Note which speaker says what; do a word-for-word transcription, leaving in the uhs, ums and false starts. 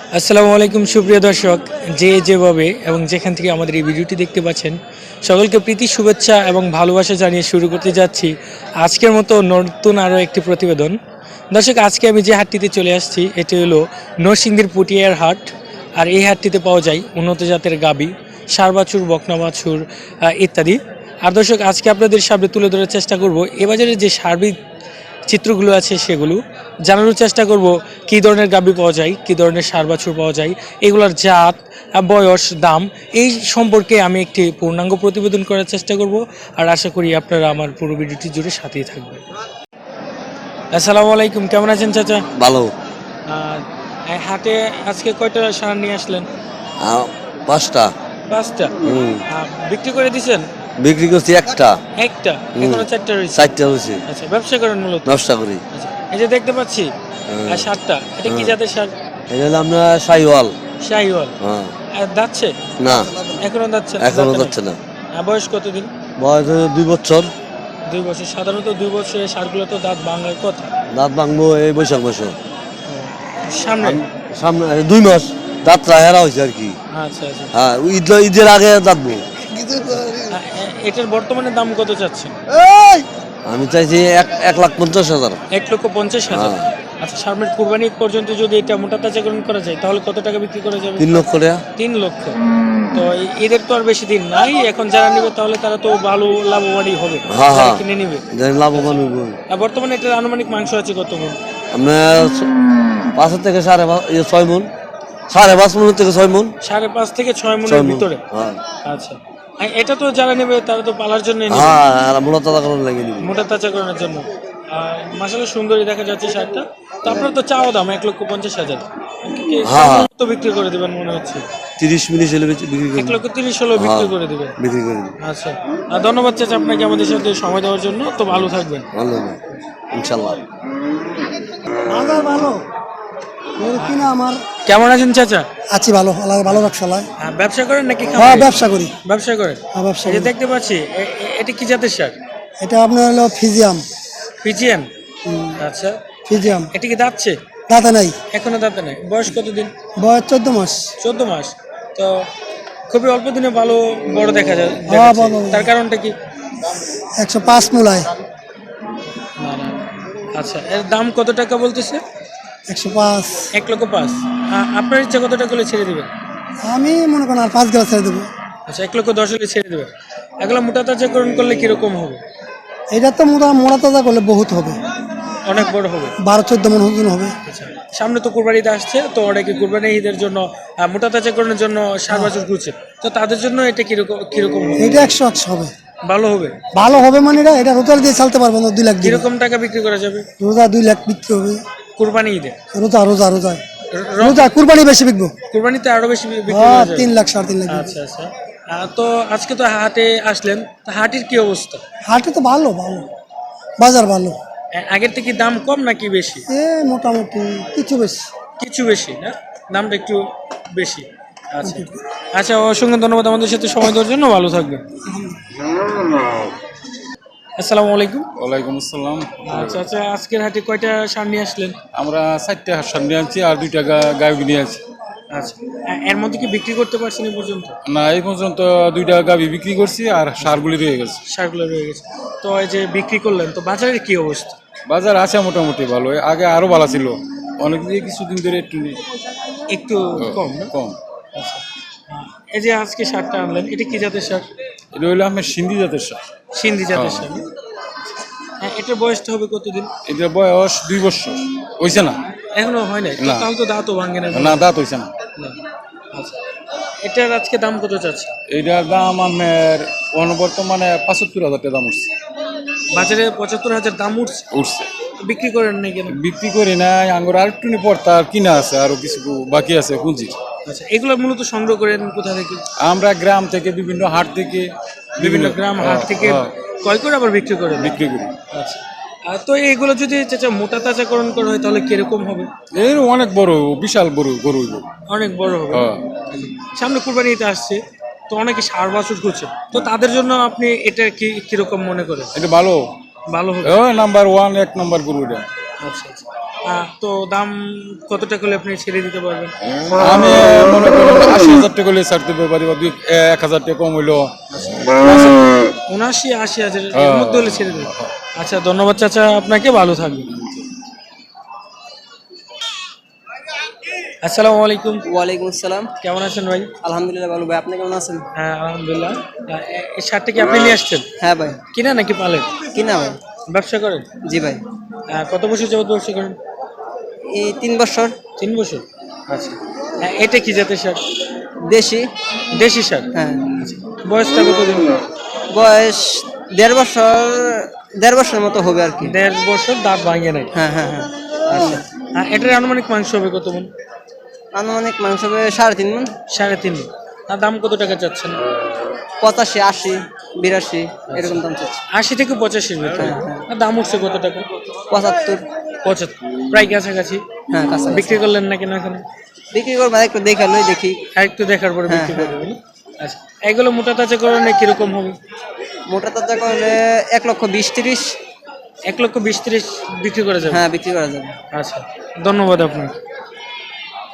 Speaker 1: আসসালামু আলাইকুম সুপ্রিয় দর্শক, যে যেভাবে এবং যেখান থেকে আমাদের এই ভিডিওটি দেখতে পাচ্ছেন সকলকে প্রীতি শুভেচ্ছা এবং ভালোবাসা জানিয়ে শুরু করতে যাচ্ছি আজকের মতো নতুন আরও একটি প্রতিবেদন। দর্শক, আজকে আমি যে হাটটিতে চলে আসছি এটি হলো নরসিংদীর পুটিয়ার হাট। আর এই হাটটিতে পাওয়া যায় উন্নত জাতের গাবি, ষাঁড় বাছুর, বকনা বাছুর ইত্যাদি। আর দর্শক, আজকে আপনাদের সামনে তুলে ধরার চেষ্টা করব এ বাজারে যে সার্বিক চিত্রগুলো আছে সেগুলো জানানোর চেষ্টা করব, কী ধরনের গাভী পাওয়া যায়, কী ধরনের ষাঁড় বাছুর পাওয়া যায়, এগুলোর জাত, বয়স, দাম এই সম্পর্কে আমি একটি পূর্ণাঙ্গ প্রতিবেদন করার চেষ্টা করব। আর আশা করি আপনারা আমার পুরো ভিডিওটি জুড়ে সাথেই থাকবেন। আসসালামু আলাইকুম, কেমন আছেন চাচা?
Speaker 2: ভালো।
Speaker 1: হাটে আজকে কয়টা ষাঁড় নিয়ে আসলেন?
Speaker 2: আহ, পাঁচটা।
Speaker 1: পাঁচটা?
Speaker 2: হুম।
Speaker 1: আহ, বিক্রি করে দিছেন?
Speaker 2: বিক্রি করছি একটা।
Speaker 1: একটা? এখনো চারটা রয়েছে?
Speaker 2: চারটা হয়েছে।
Speaker 1: আচ্ছা, ব্যবসা করেন মূলত?
Speaker 2: ব্যবসা করি।
Speaker 1: আচ্ছা, এই যে দেখতে পাচ্ছি আর ষাটটা, এটা কি জাতের ষাঁড়?
Speaker 2: এটা হলো আমরা শাহিওয়াল।
Speaker 1: শাহিওয়াল?
Speaker 2: হ্যাঁ।
Speaker 1: আর দাচ্ছে?
Speaker 2: না,
Speaker 1: এখনো দাচ্ছে?
Speaker 2: এখনো যাচ্ছে না।
Speaker 1: আর বয়স কতদিন?
Speaker 2: বয়স হলো দুই বছর।
Speaker 1: দুই বছর? সাধারণত দুই বছরের ষাঁড়গুলো তো দাঁত ভাঙার কথা।
Speaker 2: দাঁত ভাঙবো এই বৈশাখ মাসে।
Speaker 1: সামনে?
Speaker 2: সামনে দুই মাস দাঁত রাহেরা হয়েছে আর কি।
Speaker 1: আচ্ছা আচ্ছা।
Speaker 2: হ্যাঁ, ঈদ ঈদের আগে দাঁতবো।
Speaker 1: এটার বর্তমানে দাম কত চাচ্ছেন?
Speaker 2: আমি চাইছি এক এক লাখ পঞ্চাশ হাজার।
Speaker 1: এক লক্ষ পঞ্চাশ হাজার? আচ্ছা, সামনের কুরবানি পর্যন্ত যদি এটা মোটা তাজাকরণ করা যায় তাহলে কত টাকা বিক্রি করা যাবে?
Speaker 2: তিন লক্ষ টাকা।
Speaker 1: তিন লক্ষ? তো এদের তো আর বেশি দিন নাই, এখন যারা নিবে তাহলে তারা তো ভালো লাভবানই হবে,
Speaker 2: হ্যাঁ হ্যাঁ,
Speaker 1: কিনে নিবে
Speaker 2: লাভবান হইব।
Speaker 1: আর বর্তমানে এটার আনুমানিক মাংস আছে কত মন?
Speaker 2: আপনার পাঁচ থেকে সাড়ে ছয় মন। সাড়ে পাঁচ মন থেকে ছয় মন।
Speaker 1: সাড়ে পাঁচ থেকে ছয় মনের ভিতরে? আচ্ছা, এটা তো যারা নেবে তারা তো পালার জন্য,
Speaker 2: মোটা তাজাকরণ লাগে নিবে,
Speaker 1: মোটা তাজাকরণের জন্য। মাশাআল্লাহ সুন্দরী দেখা যাচ্ছে শার্টটা। তো আপনার তো চাওয়া দাম এক লক্ষ পঞ্চাশ হাজার, তো বিক্রি করে দিবেন মনে হচ্ছে?
Speaker 2: তিরিশ মিনিট হলে বিক্রি
Speaker 1: এক লক্ষ তিরিশ হলেও বিক্রি করে দিবেন?
Speaker 2: বিক্রি করে দিবেন।
Speaker 1: আচ্ছা, ধন্যবাদ চাচা আপনাকে আমাদের সাথে সময় দেওয়ার জন্য। তো ভালো থাকবেন।
Speaker 2: ভালো ইনশাল্লাহ।
Speaker 3: ভালো। আমার
Speaker 1: কেমন আছেন চাচা?
Speaker 3: আছি ভালো, আল্লাহ ভালো রাখছে।
Speaker 1: ব্যবসা করেন নাকি?
Speaker 3: হ্যাঁ, ব্যবসা করি।
Speaker 1: ব্যবসা করেন?
Speaker 3: হ্যাঁ, ব্যবসা
Speaker 1: এই যে দেখতে পাচ্ছি এটা কি জাতের শাক?
Speaker 3: এটা আপনার হলো ফিজিয়াম।
Speaker 1: ফিজিয়ান? আচ্ছা,
Speaker 3: ফিজিয়াম।
Speaker 1: এটা কি দাঁতছে?
Speaker 3: দাঁতে নাই,
Speaker 1: এখনো দাঁতে নাই। বয়স কতদিন?
Speaker 3: বয়স চোদ্দ মাস।
Speaker 1: চোদ্দ মাস? তো খুবই অল্প দিনে ভালো বড় দেখা যায়,
Speaker 3: হ্যাঁ, বড়।
Speaker 1: তার কারণটা কি?
Speaker 3: একশো পাঁচ মূলায়।
Speaker 1: আচ্ছা, এর দাম কত টাকা বলতেছে?
Speaker 3: একশো পাঁচ।
Speaker 1: এক লক্ষ পাঁচ? আপনার ইচ্ছা কত টাকা হলে ছেড়ে দেবেন?
Speaker 3: আমি মনে করেন আর পাঁচ গেলা ছেড়ে দেবো।
Speaker 1: আচ্ছা, এক লক্ষ দশ হলে ছেড়ে দেবেন। এগুলো মোটা তাজাকরণ করলে কিরকম হবে?
Speaker 3: এটা তো মোটা মোটা তাজা করলে বহুত হবে,
Speaker 1: অনেক বড় হবে।
Speaker 3: বারো চোদ্দ মন ওজন হবে।
Speaker 1: আচ্ছা, সামনে তো কুরবানিতে আসছে, তো অনেকে কুরবানি ঈদের জন্য মোটা তাজাকরণের জন্য ষাঁড় বাছুর খুঁজছে, তো তাদের জন্য এটা কিরকম কিরকম হবে?
Speaker 3: এটা একশো একশো হবে।
Speaker 1: ভালো হবে?
Speaker 3: ভালো হবে মানে এটা এটা রোজার দিয়ে চালতে পারবো না। দুই লাখ
Speaker 1: কিরকম টাকা বিক্রি করা যাবে?
Speaker 3: রোজা দুই লাখ বিক্রি হবে।
Speaker 1: কুরবানি ঈদে?
Speaker 3: রোজা রোজা রোজা রোজা কুরবানি বেশি বিকবো।
Speaker 1: কুরবানিতে আরো বেশি বিক্রি
Speaker 3: হ্যাঁ,
Speaker 1: করা যাবে?
Speaker 3: তিন লাখ সাড়ে তিন লাখ।
Speaker 1: আচ্ছা আচ্ছা। তো আজকে তো হাটে আসলেন, তো হাটের কি অবস্থা?
Speaker 3: হাটে তো ভালো ভালো, বাজার ভালো।
Speaker 1: আগের থেকে দাম কম নাকি বেশি?
Speaker 3: এ মোটামুটি কিছু বেশি।
Speaker 1: কিছু বেশি না, দামটা একটু বেশি। আচ্ছা আচ্ছা, অসংখ্য ধন্যবাদ আমাদের সাথে সময় দেওয়ার জন্য। ভালো থাকবেন। আসসালামু আলাইকুম।
Speaker 4: ওয়ালাইকুম আসসালাম।
Speaker 1: আচ্ছা আচ্ছা, আজকের হাটে কয়টা ষাঁড় নিয়ে আসলেন?
Speaker 4: আমরা চারটে হাঁস নিয়ে আনছি আর দুইটা গাভী নিয়ে আছি।
Speaker 1: আচ্ছা, এর মধ্যে কি বিক্রি করতে পারছেন এই পর্যন্ত?
Speaker 4: না, এই পর্যন্ত দুইটা গাভী বিক্রি করছি আর সারগুলি রয়ে গেছে।
Speaker 1: সারগুলো রয়ে গেছে। তো এই যে বিক্রি করলেন, তো বাজারের কি অবস্থা?
Speaker 4: বাজার আছে মোটামুটি ভালো, আগে আরো ভালো ছিল, অনেক দিয়ে কিছুদিন ধরে একটু
Speaker 1: একটু কম না?
Speaker 4: কম।
Speaker 1: আচ্ছা, এই যে আজকে ষাঁড়টা আনলেন, এটা কি জাতের ষাঁড়?
Speaker 4: এটা হইলো আমার সিন্ধি জাতের সার।
Speaker 1: সিন্ধি জাতের ষাঁড়? হ্যাঁ, এটার বয়সটা হবে কতদিন?
Speaker 4: এটার বয়স দুই বছর হয়েছে না,
Speaker 1: এখনো হয় নাই?
Speaker 4: না।
Speaker 1: তাহলে তো দাঁতও ভাঙে না?
Speaker 4: না, দাঁত হয়েছে না।
Speaker 1: আচ্ছা, এটার আজকে দাম কত চাচ্ছে?
Speaker 4: এটার দাম আমার বর্তমানে পঁচাত্তর হাজার টাকা দাম উঠছে।
Speaker 1: বাজারে পঁচাত্তর হাজার দাম উঠছে?
Speaker 4: উঠছে।
Speaker 1: বিক্রি করেন নাই কেন?
Speaker 4: বিক্রি করি নাই, আঙ্গুর আর একটু পর তার কিনা আছে, আরো কিছু বাকি আছে পুঁজির।
Speaker 1: আচ্ছা, এগুলো মূলত সংগ্রহ করেন কোথা থেকে?
Speaker 4: আমরা গ্রাম থেকে, বিভিন্ন হাট থেকে,
Speaker 1: বিভিন্ন গ্রাম হাট থেকে ক্রয় করে আবার বিক্রি করেন?
Speaker 4: বিক্রি করি।
Speaker 1: আচ্ছা, তো এইগুলো যদি চাচা মোটা তাজাকরণ করা হয় তাহলে কিরকম হবে?
Speaker 4: এর অনেক বড়, বিশাল বড় গরু।
Speaker 1: অনেক বড় হবে। সামনে কুরবানিতে আসছে, তো অনেকে ষাঁড় বাছুর করছে, তো তাদের জন্য আপনি এটা কি কিরকম মনে করেন?
Speaker 4: এটা ভালো,
Speaker 1: ভালো হবে?
Speaker 4: নাম্বার ওয়ান, এক নাম্বার গরু এটা।
Speaker 1: আচ্ছা আচ্ছা, আহ, তো দাম কত টাকা হলে আপনি ছেড়ে দিতে পারবেন?
Speaker 4: আমি মনে করেন আশি হাজার টাকা হলে ছাড়তে পারি বা দুই এক হাজার টাকা কম হইলো।
Speaker 1: উনআশি আশি হাজার এর মধ্যে হলে ছেড়ে দেবেন। আচ্ছা ধন্যবাদ চাচা, আপনাকে ভালো থাকবেন। আসসালামু আলাইকুম,
Speaker 5: ওয়ালাইকুম আসসালাম।
Speaker 1: কেমন আছেন ভাই?
Speaker 5: আলহামদুলিল্লাহ ভালো ভাই, আপনি কেমন আছেন?
Speaker 1: হ্যাঁ আলহামদুলিল্লাহ। আহ, এ- এই শার্টটা কি আপনি নিয়ে আসছেন?
Speaker 5: হ্যাঁ ভাই।
Speaker 1: কিনা নাকি পালেন?
Speaker 5: কিনা ভাই?
Speaker 1: ব্যবসা করেন?
Speaker 5: জি ভাই।
Speaker 1: আহ, কত বছর যাবত ব্যবসা করেন?
Speaker 5: এই তিন বছর।
Speaker 1: তিন বছর। আচ্ছা, হ্যাঁ, এটা কি জাতের শার্ট?
Speaker 5: দেশি।
Speaker 1: দেশি শার্ট।
Speaker 5: হ্যাঁ।
Speaker 1: বয়সটা কতদিন?
Speaker 5: বয়স দেড় বছর, দেড় বছরের মতো হবে আর কি।
Speaker 1: দেড় বছর, দাঁত ভাঙে নাই।
Speaker 5: হ্যাঁ হ্যাঁ হ্যাঁ।
Speaker 1: আচ্ছা, আর এটার আনুমানিক মাংস হবে কত মন?
Speaker 5: আনুমানিক মাংস হবে সাড়ে তিন মন।
Speaker 1: সাড়ে তিন মণ। আর দাম কত টাকা চাচ্ছেন?
Speaker 5: পঁচাশি, আশি, বিরাশি এরকম দাম চাচ্ছে।
Speaker 1: আশি থেকে পঁচাশির ভিতরে।
Speaker 5: হ্যাঁ, হ্যাঁ।
Speaker 1: আর দাম উঠছে কত টাকা?
Speaker 5: পঁচাত্তর।
Speaker 1: পঁচাত্তর, প্রায় কাছাকাছি।
Speaker 5: হ্যাঁ কাছাকাছি।
Speaker 1: বিক্রি করলেন না কেন এখন?
Speaker 5: বিক্রি করবো একটু দেখালোই দেখি।
Speaker 1: আর একটু দেখার পরে
Speaker 5: হ্যাঁ,
Speaker 1: বিক্রি
Speaker 5: হ্যাঁ।
Speaker 1: করবেন। আচ্ছা, এগুলো মোটা তাজা করলে কিরকম হবে?
Speaker 5: মোটা তাজা করলে এক লক্ষ বিশ তিরিশ।
Speaker 1: এক লক্ষ বিশ ত্রিশ বিক্রি করা যাবে।
Speaker 5: হ্যাঁ বিক্রি করা যাবে।
Speaker 1: আচ্ছা, ধন্যবাদ আপনাকে।